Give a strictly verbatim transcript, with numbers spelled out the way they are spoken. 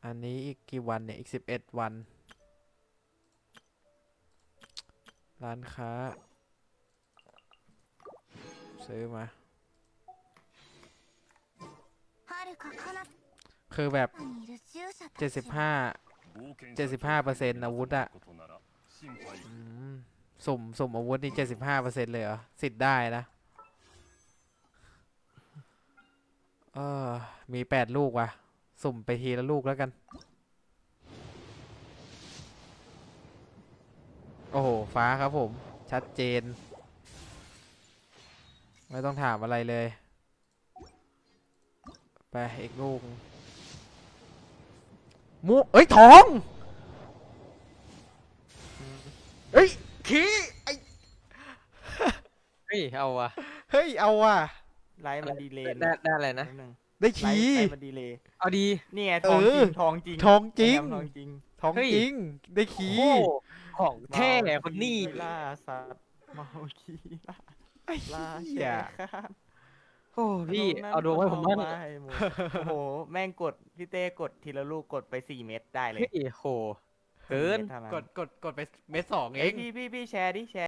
อันนี้อีกกี่วันเนี่ยอีกสิบเอ็ดวันร้านค้าซื้อมาคือแบบเจ็ดสิบห้าเจ็ดสิบห้าเปอร์เซ็นต์อาวุธอะอืมสุ่มสุ่มอาวุธนี่เจ็ดสิบห้าเปอร์เซ็นต์เลยเหรอสิทธิ์ได้นะเออมีแปดลูกว่ะสุ่มไปทีละลูกแล้วกันโอ้โหฟ้าครับผมชัดเจนไม่ต้องถามอะไรเลยไปอีกลูกมุเอ้ยทองเฮ้ยขี้ไอเฮ้ยเอาวะเฮ้ยเอาว่ะไลฟ์มันดีเลย์ได้ได้อะไรนะนิดนึงได้ไลฟ์ขี้ไลฟ์มันดีเลย์เอาดีนี่ไงทองจริงทองจริงทองจริงแอมทองจริงทองเฮ้ยจริงได้โอ้ขี้โหของแท้คนนี้ล่าสัตว์เมาขี้ล่าไอ้ล่าเหี้แช่ยข้ามโอ้พี่ขนมนั้นเอาดวงไว้ผมบ้างก็เอไปหมดโอ้โหแม่งกดพี่เต้กดทีละลูกกดไปสี่เม็ดได้เลยเฮ้ยโหเกินสี่ม็ดท่านั้นกดกดกดไปเม็ดสองเอเอ้ยงพี่พี่พี่แชร์ดิแชร์